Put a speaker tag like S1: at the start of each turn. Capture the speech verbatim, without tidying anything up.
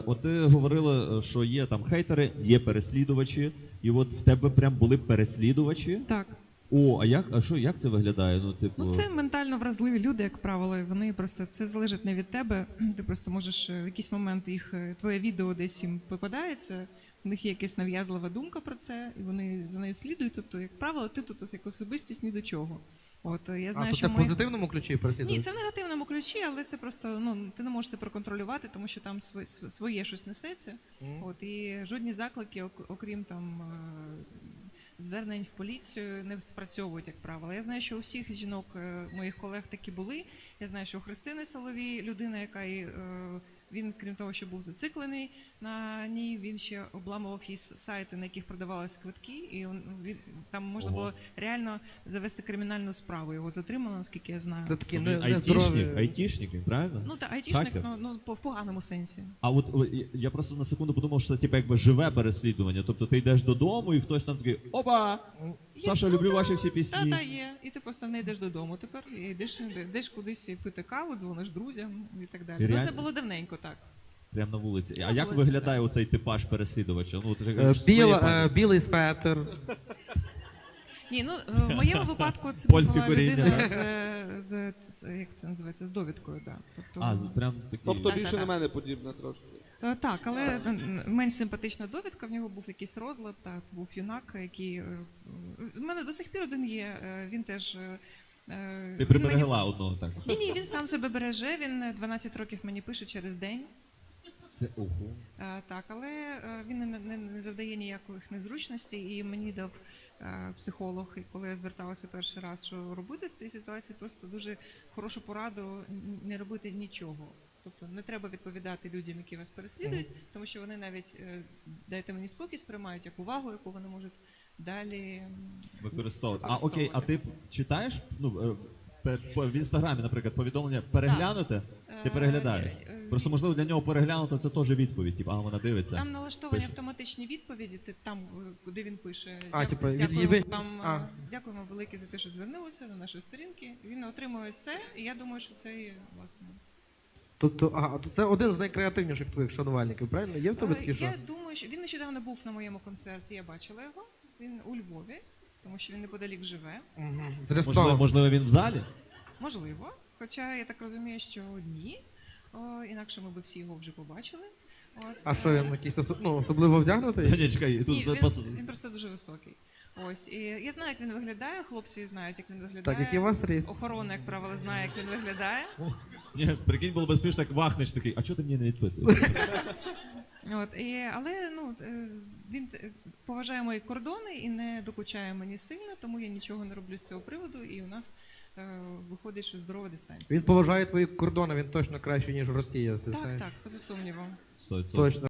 S1: От ти говорила, що є там хейтери, є переслідувачі, і от в тебе прям були переслідувачі?
S2: Так.
S1: О, а як, а що, як це виглядає? Ну, типу...
S2: Ну, це ментально вразливі люди, як правило, і вони просто, це залежить не від тебе, ти просто можеш в якийсь момент їх, твоє відео десь їм попадається, у них є якась нав'язлива думка про це, і вони за нею слідують, тобто, як правило, ти тут як особистість ні до чого. От, я знаю,
S3: а, то
S2: що
S3: це в
S2: ми...
S3: позитивному ключі переслідують?
S2: Ні, це в негативному ключі, але це просто, ну, ти не можеш це проконтролювати, тому що там своє, своє щось несеться. Mm. От, і жодні заклики, окрім там звернень в поліцію, не спрацьовують, як правило. Я знаю, що у всіх жінок, моїх колег, такі були. Я знаю, що у Христини Соловій, людина, яка і, він, крім того, що був зациклений на ній, він ще обламував її сайти, на яких продавалися квитки, і він, там можна було реально завести кримінальну справу. Його затримали, наскільки я знаю.
S3: Це такі
S1: не, айтішник, айтішник, правильно?
S2: Ну так, айтішник, ну, ну, в поганому сенсі.
S1: А от я просто на секунду подумав, що це типу, якби живе переслідування. Тобто ти йдеш додому і хтось там такий, опа, Саша,
S2: є,
S1: люблю
S2: ну,
S1: ваші всі пісні.
S2: Так, так, є. І ти просто не йдеш додому тепер, і йдеш, йдеш кудись пити каву, дзвониш друзям і так далі. Ну, це було давненько, так.
S1: Прямо на вулиці.
S2: На
S1: а як
S2: вулиці,
S1: виглядає
S2: так.
S1: оцей типаж переслідувача? Ну, ти ж
S3: Е,
S1: кажеш,
S3: Біла,
S1: своє
S3: е, білий светр.
S2: Ні, ну в моєму випадку це
S1: Польське
S2: була
S1: коріння,
S2: людина
S1: да?
S2: з, з, з, як це називається, з довідкою, да. Тобто,
S1: А, з- прям такі.
S4: Тобто
S2: Так,
S4: більше
S2: так,
S4: на
S2: так.
S4: мене подібна трошки.
S2: Е, Так, але е, менш симпатична довідка, в нього був якийсь розлад, та це був юнак, який... е, В мене до сих пір один є, е, він теж... е,
S1: Ти
S2: він
S1: приберегла одного так.
S2: Ні, ні, він сам себе береже, він дванадцять років мені пише через день.
S1: Це ого.
S2: Е, Так, але е, він не, не, не завдає ніяких незручностей, і мені дав е, психолог, і коли я зверталася перший раз, що робити з цієї ситуації, просто дуже хорошу пораду н- не робити нічого. Тобто не треба відповідати людям, які вас переслідують, тому що вони навіть е, дайте мені спокій, сприймають як увагу, яку вони можуть далі м,
S1: Використовувати. А
S2: Використовувати.
S1: окей, а ти читаєш ну, е, пе- по- в інстаграмі, наприклад, повідомлення переглянути? Ти
S2: Е,
S1: переглядаєш?
S2: е, е,
S1: Просто можливо для нього переглянути це теж відповідь. Типу, а вона дивиться.
S2: Там налаштовані
S1: Пише.
S2: автоматичні відповіді, ти там, е, куди він пише.
S3: А,
S2: «Дяку-
S3: типу, від-
S2: дякуємо,
S3: від-
S2: вам,
S3: а.
S2: е, дякуємо велике за те, що звернулися до нашої сторінки. Він отримує це, і я думаю, що це і, власне.
S3: Тобто, ага, то це один з найкреативніших твоїх шанувальників, правильно? Є в тебе
S2: Е,
S3: такі, що?
S2: Я думаю, що він нещодавно був на моєму концерті, я бачила його. Він у Львові, тому що він неподалік живе.
S3: Угу. З
S1: Можливо,
S3: Ростова.
S1: можливо, він в залі?
S2: Можливо. Хоча я так розумію, що ні. О, інакше ми б всі його вже побачили. От,
S3: А що
S2: е,
S3: він якийсь осо- ну, особливо вдягнутий?
S1: Ні, чекай, тут
S2: Ні,
S1: пос-
S2: він, він просто дуже високий. Ось, і я знаю, як він виглядає, хлопці знають, як він виглядає.
S3: Так, який у вас ріст?
S2: Охорона, як правило, знає, як він виглядає.
S1: Ні, прикинь, було б смішно, як вахнеш такий, а чого ти мені не відписуєш?
S2: От, і, але ну, е, він е, поважає мої кордони і не докучає мені сильно, тому я нічого не роблю з цього приводу, і у нас е, виходить, що здорова дистанція.
S3: Він поважає твої кордони, він точно краще, ніж в Росії. ти
S2: Так,
S3: знаєш.
S2: так, поза сумнівом.
S1: Стой, стой.
S3: Точно.